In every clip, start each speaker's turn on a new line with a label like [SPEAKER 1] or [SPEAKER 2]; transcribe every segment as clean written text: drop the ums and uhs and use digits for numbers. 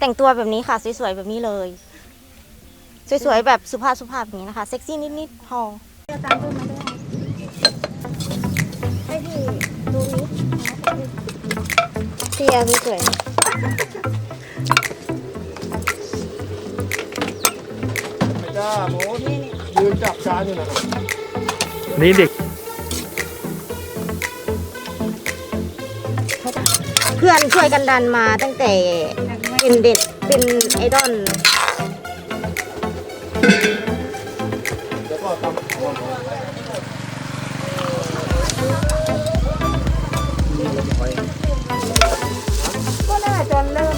[SPEAKER 1] แต่งตัวแบบนี้ค่ะสวยๆแบบนี้เลยสวยๆแบบสุภาพอย่างนี้นะคะเซ็กซี่นิดๆพอ
[SPEAKER 2] อาจารย์เพิ่มมาด้วยให้พี่ดูนี้
[SPEAKER 1] เสียสวย
[SPEAKER 3] ไม่ได้โมดยืนจับจานอยู่นะครับ
[SPEAKER 4] นี่เด็ก
[SPEAKER 1] เพื่อนช่วยกันดันมาตั้งแต่เป็นเด็กเป็นไอดอล
[SPEAKER 3] แล้วก็ทำ
[SPEAKER 2] ก็น่าจะเริ่ม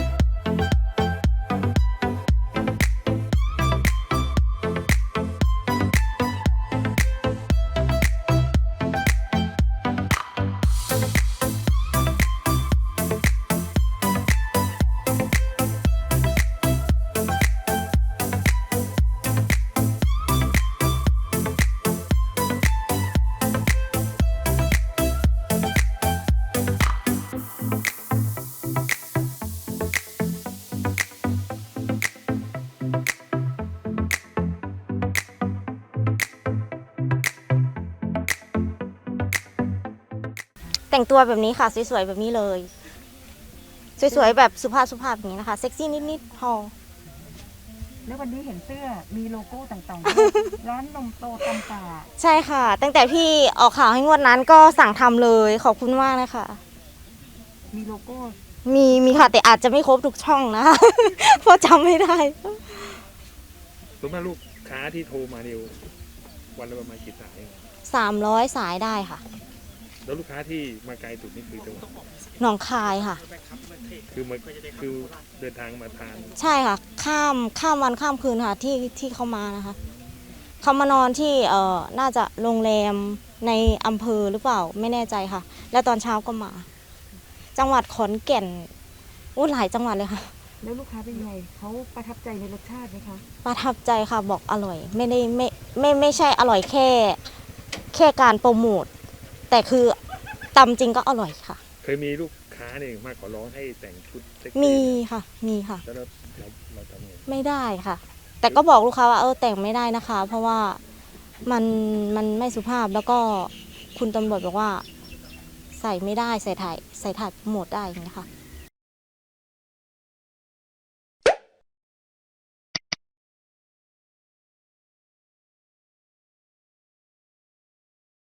[SPEAKER 1] แต่งตัวแบบนี้ค่ะสวยๆแบบนี้เลยสวยๆแบบสุภาพอย่างนี้นะคะเซ็กซี่นิดๆพอ
[SPEAKER 2] แล้ววันนี้เห็นเสื้อมีโลโก้ต่างๆร้านนมโตตำป่า
[SPEAKER 1] ใช่ค่ะตั้งแต่พี่ออกข่าวให้งวดนั้นก็สั่งทำเลยขอบคุณมากเลยค่ะ
[SPEAKER 2] มีโลโก้
[SPEAKER 1] มีค่ะแต่อาจจะไม่ครบทุกช่องนะคะ เพราะจำไม่ได้
[SPEAKER 4] ส่วนมากลูกค้าที่โทรมาเนี่ยวันละประมาณกี่สาย
[SPEAKER 1] 300 สายได้ค่ะ
[SPEAKER 4] แล้วลูกค้าที่มาไกลสุดนี่คือจังหวัด
[SPEAKER 1] หนองคายค่ะ
[SPEAKER 4] คือเดินทางมาทาน
[SPEAKER 1] ใช่ค่ะข้ามวันข้ามคืนค่ะที่เขามานะคะเขามานอนที่น่าจะโรงแรมในอำเภอหรือเปล่าไม่แน่ใจค่ะแล้วตอนเช้าก็มา จังหวัดขอนแก่นหลายจังหวัดเลยค่ะ
[SPEAKER 2] แล้วลูกค้าเป็นไงเขาประทับใจในรสชาติไหมคะ
[SPEAKER 1] ประทับใจค่ะบอกอร่อยไม่ได้ไม่ใช่อร่อยแค่การโปรโมทแต่คือตำจริงก็อร่อยค่ะ
[SPEAKER 4] เคยมีลูกค้าเนี่ยมาขอร้องให้แต่งชุดเซ็กซี่
[SPEAKER 1] มีค่ะ
[SPEAKER 4] แล้วเราทำไง
[SPEAKER 1] ไม่ได้ค่ะแต่ก็บอกลูกค้าว่าแต่งไม่ได้นะคะ เพราะว่ามันไม่สุภาพแล้วก็คุณตำรวจบอกว่าใส่ไม่ได้ใส่ถ่ายโปรโมทได้อย่างนี้ค่ะ